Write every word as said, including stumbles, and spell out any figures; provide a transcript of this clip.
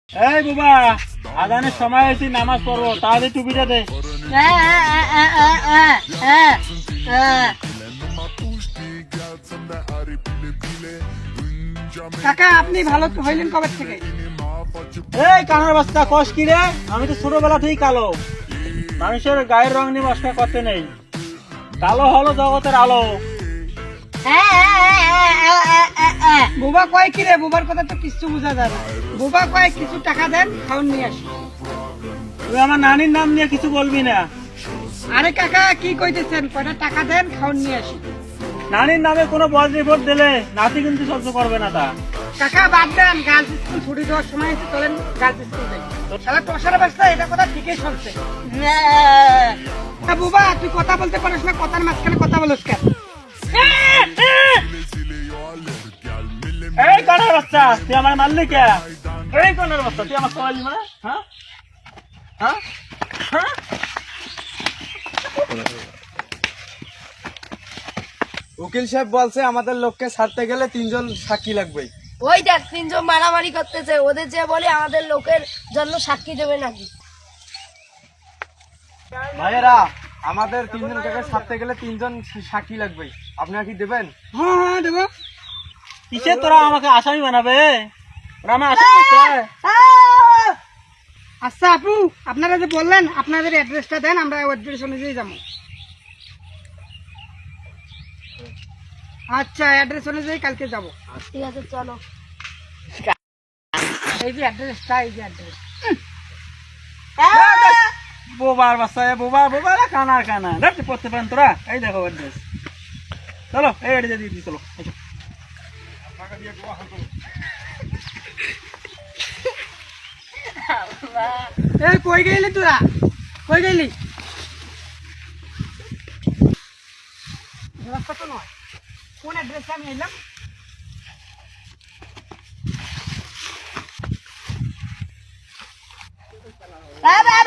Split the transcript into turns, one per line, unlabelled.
এই বাবা, আজানের সময় হয়েছে, নামাজ পড়বো, তাহলে টুপিটা দে।
কাকা আপনি ভালো হইলেন কবে থেকে?
এই কানার বাচ্চা কষ কি রে? আমি তো ছোটবেলা থেকেই কালো। মানুষের গায়ের রং নিয়ে মস্কা করতে নেই। কালো হলো জগতের আলো।
বুবা কয় কি রে? বুবার কথা তো কিছু বোঝা যায় না। বুবা কয় কিছু টাকা দেন, খাওয়ান নিয়ে আসি।
তুই আমার নানির নাম নিয়ে কিছু বলবি না।
আরে কাকা কি কইতেছেন? কয়টা টাকা দেন, খাওয়ান নিয়ে আসি।
নানির নামে কোনো বদ রিপোর্ট দিলে নাতি কিন্তু সহ্য করবে না তা।
কাকা বাদ দেন, গার্লস স্কুল ছুটি দেওয়ার সময় এসে চলেন গার্লস স্কুল যাই। শালা টসার বাচ্চা, এটা কথা ঠিকই শুনছে। তা বুবা তুই কথা বলতে পারিস না, কথার মাঝখানে কথা বলিস কেন?
এই কানার বাচ্চা, তুই আমার মারলি কে? এই কানার বাচ্চা, তুই আমার সবাই মানে হ্যাঁ হ্যাঁ হ্যাঁ
উকিল সাহেব বলছে আমাদের লোককে ছাড়তে গেলে তিনজন সাক্ষী লাগবে।
ওই দেখ তিনজন মারামারি করতেছে, ওদের যে বলে আমাদের লোকের জন্য সাক্ষী দেবে নাকি।
ভাইয়েরা, আমাদের তিনজন কাকে ছাড়তে গেলে তিনজন সাক্ষী লাগবে, আপনারা কি দেবেন?
হ্যাঁ হ্যাঁ দেবো।
কিসে তোরা আমাকে আসামি বানাবে? ওরা আমার আসামি করছে।
আচ্ছা আপু, আপনারা যে বললেন আপনাদের অ্যাড্রেসটা দেন, আমরা অ্যাড্রেস অনুযায়ী যাবো। আচ্ছা অ্যাড্রেস অনুযায়ী কালকে যাবো।
ঠিক আছে চলো।
এই যে অ্যাড্রেসটা, এই যে অ্যাড্রেস।
বোবার বাচ্চা, বোবা বোবা রে, কানার কানা দেখ পড়তে পারেন তোরা। এই দেখো অ্যাড্রেস, চলো এই অ্যাড্রেস দিয়ে দিই, চলো এসো।
এই কই গেলি তোরা? কই গেলি? রাস্তা তো নয়, কোন অ্যাড্রেসে আমি এলাম?
বাবা